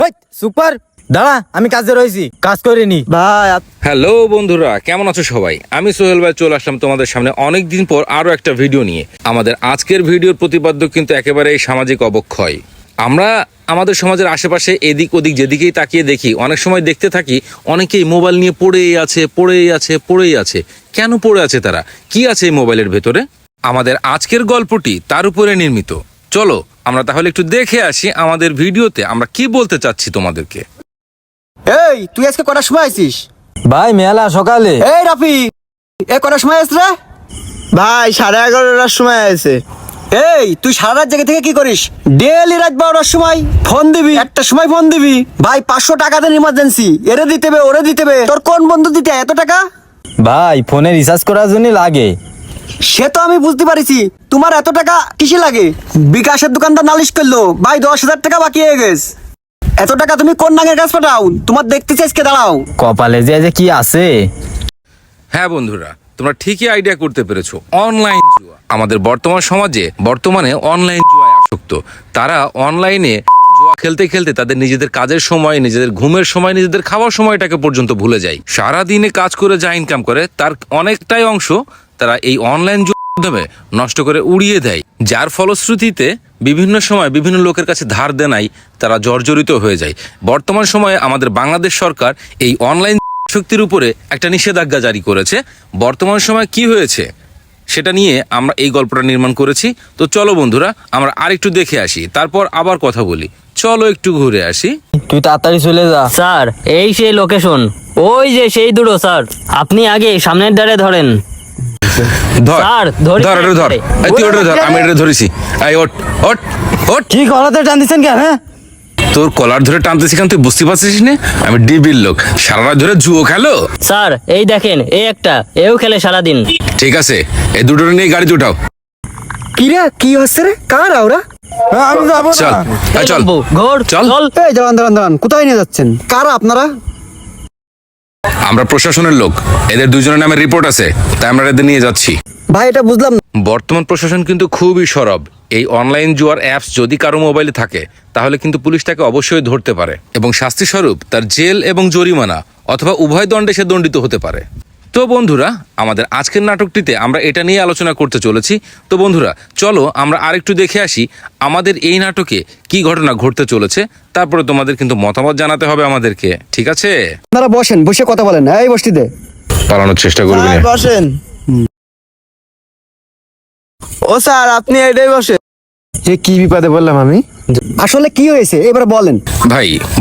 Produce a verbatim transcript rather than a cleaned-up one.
Super দাঁড়া, আমি কাজে রয়েছি, কাজ করে নি ভাই হ্যালো বন্ধুরা, কেমন আছো সবাই? আমি সোহেল ভাই চলে আসলাম তোমাদের সামনে অনেক দিন পর আরো একটা ভিডিও নিয়ে। আমাদের আজকের ভিডিওর প্রতিপাদ্য কিন্তু একেবারে সামাজিক অবক্ষয়। আমরা আমাদের সমাজের আশেপাশে এদিক ওদিক যেদিকেই তাকিয়ে দেখি, অনেক সময় দেখতে থাকি অনেকেই মোবাইল নিয়ে পড়েই আছে পড়েই আছে পড়েই আছে। কেন পড়ে আছে তারা? কি আছে এই মোবাইলের ভেতরে? আমাদের আজকের গল্পটি তার উপরে নির্মিত। চলো আমরা তাহলে একটু দেখে আসি আমাদের ভিডিওতে আমরা কি বলতে চাচ্ছি তোমাদেরকে। এই তুই আজকে কটার সময় আছিস? ভাই মেলা সকালে। এই রাফি, এ কটার সময় আসছ রে? ভাই সাড়ে এগারোটার সময় আছে। এই তুই সারা রাত জেগে থেকে কি করিস? ডেলি রাত বারোটার সময় ফোন দিবি, একটা সময় ফোন দিবি। ভাই পাঁচশো টাকা দেন ইমার্জেন্সি, এরে দিতে হবে ওরে দিতে হবে। তোর কোন বন্ধু দিতে এত টাকা? ভাই ফোনে রিচার্জ করার জন্য লাগে। সে তো আমি বুঝতে পারিছি, তোমার এত টাকা কিসে লাগে? বিকাশের দোকানদার নালিশ করলো ভাই দশ হাজার টাকা বাকি হয়ে গেছে। এত টাকা তুমি কোন নাঙের কাছে পাঠাও? তোমার দেখতে চাইছে দাঁড়াও। কপালে যে যে কি আছে। হ্যাঁ বন্ধুরা, তোমরা ঠিকই আইডিয়া করতে পেরেছো, অনলাইন জুয়া। আমাদের বর্তমান সমাজে বর্তমানে অনলাইন জুয়ায় আসক্ত। তারা অনলাইনে জুয়া খেলতে খেলতে তাদের নিজেদের কাজের সময়, নিজেদের ঘুমের সময়, নিজেদের খাওয়ার সময়টাকে পর্যন্ত ভুলে যায়। সারা দিনে কাজ করে যা ইনকাম করে তার অনেকটাই অংশ তারা এই অনলাইন জুয়ার মাধ্যমে নষ্ট করে উড়িয়ে দেয়, যার ফলশ্রুতিতে বিভিন্ন সময় বিভিন্ন লোকের কাছে ধার দেনায় তারা জর্জরিত হয়ে যায়। বর্তমান সময়ে আমাদের বাংলাদেশ সরকার এই অনলাইন শক্তির উপরে একটা নিষেধাজ্ঞা জারি করেছে। বর্তমান সময় কি হয়েছে সেটা নিয়ে আমরা এই গল্পটা নির্মাণ করেছি। তো চলো বন্ধুরা আমরা আরেকটু দেখে আসি, তারপর আবার কথা বলি। চলো একটু ঘুরে আসি। তুই তাড়াতাড়ি চলে যা। স্যার এই সেই লোকেশন, ওই যে সেই দুটো স্যার, আপনি আগে সামনের দ্বারে ধরেন। ধর স্যার, ধরি ধর এটা ধর, এই তুই ওটা ধর, আমি এটা ধরেছি। এই ওঠ ওঠ ওঠ। কি কলাতে টান দিচ্ছেন কেন? হ্যাঁ তোর কলার ধরে টানতেছি কেন, তুই বুঝতে পারছিস না? আমি ডিবির লোক, সারা রাত ধরে জুয়ো খেলো। স্যার এই দেখেন, এই একটা এও খেলে সারাদিন। ঠিক আছে, এই দুটো নিয়ে গাড়িতে উঠাও। কি রে কি হচ্ছে রে? কার ওরা? আমি যাবো চল না। এই চল বাবু, ঘোর চল। চল। এই দাঁড়ান দাঁড়ান দাঁড়ান, কোথায় নিয়ে যাচ্ছেন? কারা আপনারা? আমরা প্রশাসনের লোক, এদের দুজনের নামে রিপোর্ট আছে, তাই আমরা এদের নিয়ে যাচ্ছি। ভাই এটা বুঝলাম না। বর্তমান প্রশাসন কিন্তু খুবই সরব। এই অনলাইন জুয়ার অ্যাপস যদি কারো মোবাইলে থাকে তাহলে কিন্তু পুলিশ তাকে অবশ্যই ধরতে পারে এবং শাস্তি স্বরূপ তার জেল এবং জরিমানা অথবা উভয় দণ্ডে সে দণ্ডিত হতে পারে। তো বন্ধুরা আমাদের আজকের নাটকটিতে আমরা এটা নিয়ে আলোচনা করতে চলেছি। তো বন্ধুরা চলো আমরা আরেকটু দেখে আসি আমাদের এই নাটকে কি ঘটনা ঘটতে চলেছে, তারপরে তোমাদের কিন্তু মতামত জানাতে হবে আমাদেরকে, ঠিক আছে? আপনারা বসেন, বসে কথা বলেন। এই বসতিতে পালানোর চেষ্টা করবি না। বসেন। ও স্যার আপনি এটাই বসে। যে কি বিপদে বললাম আমি? আসলে কি হয়েছে এবার বলেন। ভাই